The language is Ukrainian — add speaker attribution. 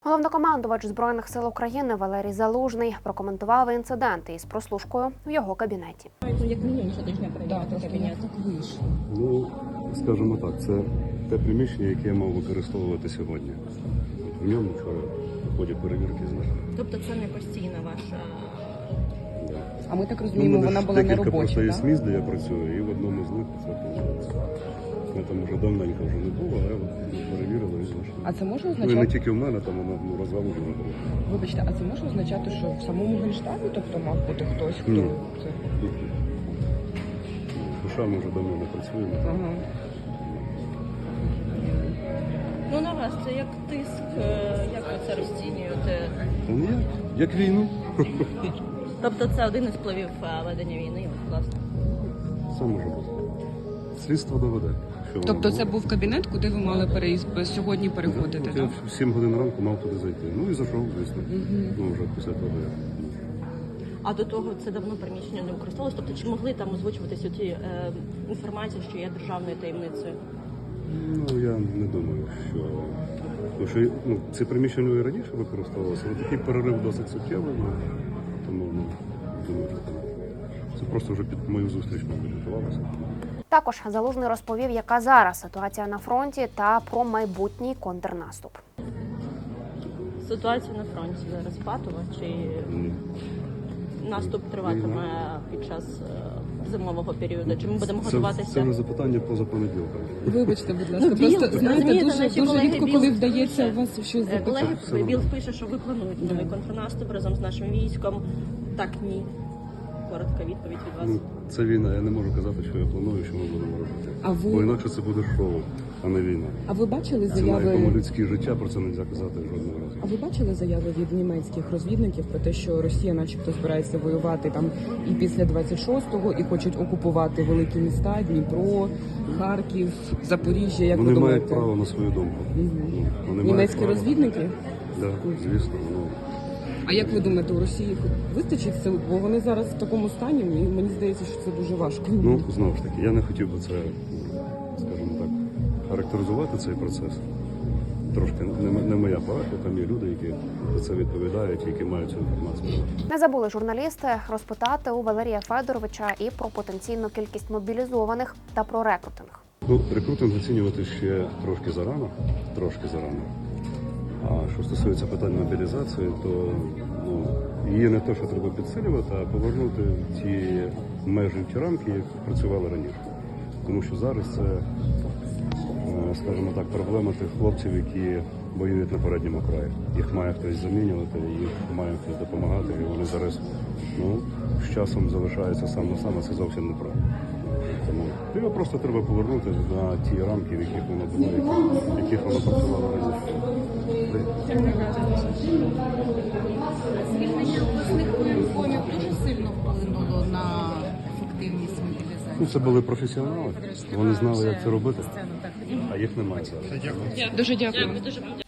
Speaker 1: Головнокомандувач Збройних сил України Валерій Залужний прокоментував інциденти із прослушкою в його кабінеті.
Speaker 2: Як мінімум щотижня перевіряти кабінет.
Speaker 3: Ну, скажімо так, це те приміщення, яке я мав використовувати сьогодні. В ньому вчора в ході перевірки знайшли.
Speaker 2: Тобто це не постійна ваша...
Speaker 3: Да.
Speaker 4: А ми так розуміємо, вона була не робоча,
Speaker 3: просто є
Speaker 4: так?
Speaker 3: місць, де я працюю, і в одному з них це виходить. Я там вже давненько вже не було, але перевірили і знайшли.
Speaker 4: А це може
Speaker 3: Ну і
Speaker 4: означати...
Speaker 3: не тільки в мене, там воно розгалужено було.
Speaker 4: Вибачте, а це може означати, що в самому Генштабі, тобто мав бути хтось, хто
Speaker 3: Ні.
Speaker 4: це...
Speaker 3: Душа ми вже давно не працюємо.
Speaker 4: Ага.
Speaker 2: Ну на вас це як тиск, як ви це розцінюєте?
Speaker 3: Ну ні, як війну.
Speaker 2: Тобто це один із впливів ведення війни, власне.
Speaker 3: Все може бути. Слідство доведе. Що воно
Speaker 4: Тобто
Speaker 3: було.
Speaker 4: це був кабінет, куди ви мали сьогодні переходити,
Speaker 3: Я
Speaker 4: так?
Speaker 3: в 7 годин ранку мав туди зайти. Ну і зайшов, звісно. Ну вже після того як.
Speaker 2: А до того це давно приміщення не використовувалось? Тобто чи могли там озвучуватися ті інформації, що є державною таємницею?
Speaker 3: Ну я не думаю, що... Тому що це приміщення і раніше використовувалося, але такий перерив досить суттєвий, тому думаю, що це просто вже під мою зустріч мабуть готувалося.
Speaker 1: Також Залужний розповів, яка зараз ситуація на фронті та про майбутній контрнаступ.
Speaker 2: Ситуація на фронті зараз патова, чи наступ триватиме під час зимового періоду? Чи ми будемо готуватися?
Speaker 3: Це вже запитання поза понеділком.
Speaker 4: Вибачте, будь ласка,
Speaker 2: Біл,
Speaker 4: просто, знаєте,
Speaker 2: розумієте,
Speaker 4: дуже
Speaker 2: наші колеги
Speaker 4: рідко,
Speaker 2: Біл
Speaker 4: коли вдається
Speaker 2: пише,
Speaker 4: у вас щось запитати.
Speaker 2: Колеги, Біл пише, що ви плануєте новий контрнаступ разом з нашим військом. Так, ні. Коротка відповідь від вас.
Speaker 3: Ну, це війна, я не можу казати, що я планую, що ми будемо робити.
Speaker 4: А ви-
Speaker 3: Бо інакше це буде шоу, а не війна.
Speaker 4: А ви бачили
Speaker 3: Ціна, якому
Speaker 4: заяви...
Speaker 3: людське життя, про це не можна казати жодного разу.
Speaker 4: А ви бачили заяви від німецьких розвідників про те, що Росія начебто збирається воювати там і після 26-го, і хочуть окупувати великі міста, Дніпро, Харків, Запоріжжя, як ви
Speaker 3: Вони
Speaker 4: думаєте?
Speaker 3: мають право на свою думку. Ну, вони мають
Speaker 4: Німецькі
Speaker 3: право.
Speaker 4: розвідники?
Speaker 3: Так, звісно. Ну,
Speaker 4: А як ви думаєте, у Росії вистачить сил? Бо вони зараз в такому стані, і мені здається, що це дуже важко.
Speaker 3: ну, знову ж таки, я не хотів би це, скажімо так, характеризувати цей процес. Трошки не моя парафія, там є люди, які за це відповідають, які мають цю інформацію.
Speaker 1: Не забули журналісти розпитати у Валерія Федоровича і про потенційну кількість мобілізованих та про рекрутинг.
Speaker 3: Ну, рекрутинг оцінювати ще трошки зарано. А що стосується питань мобілізації, то її не те, що треба підсилювати, а повернути в ті межі, в ті рамки, які працювали раніше. Тому що зараз це, скажімо так, проблема тих хлопців, які воюють на передньому краї. Їх має хтось замінювати, їх має хтось допомагати, і вони зараз з часом залишаються сам на сам, а це зовсім неправильно. Тому його просто треба повернути на ті рамки, в яких воно було, в яких воно працювало раніше.
Speaker 5: Звільнення обласних воєнкомів дуже сильно вплинуло на ефективність мобілізації.
Speaker 3: Ну, це були професіонали, вони знали, як це робити, а їх немає зараз.
Speaker 4: Дуже дякую.
Speaker 2: Дуже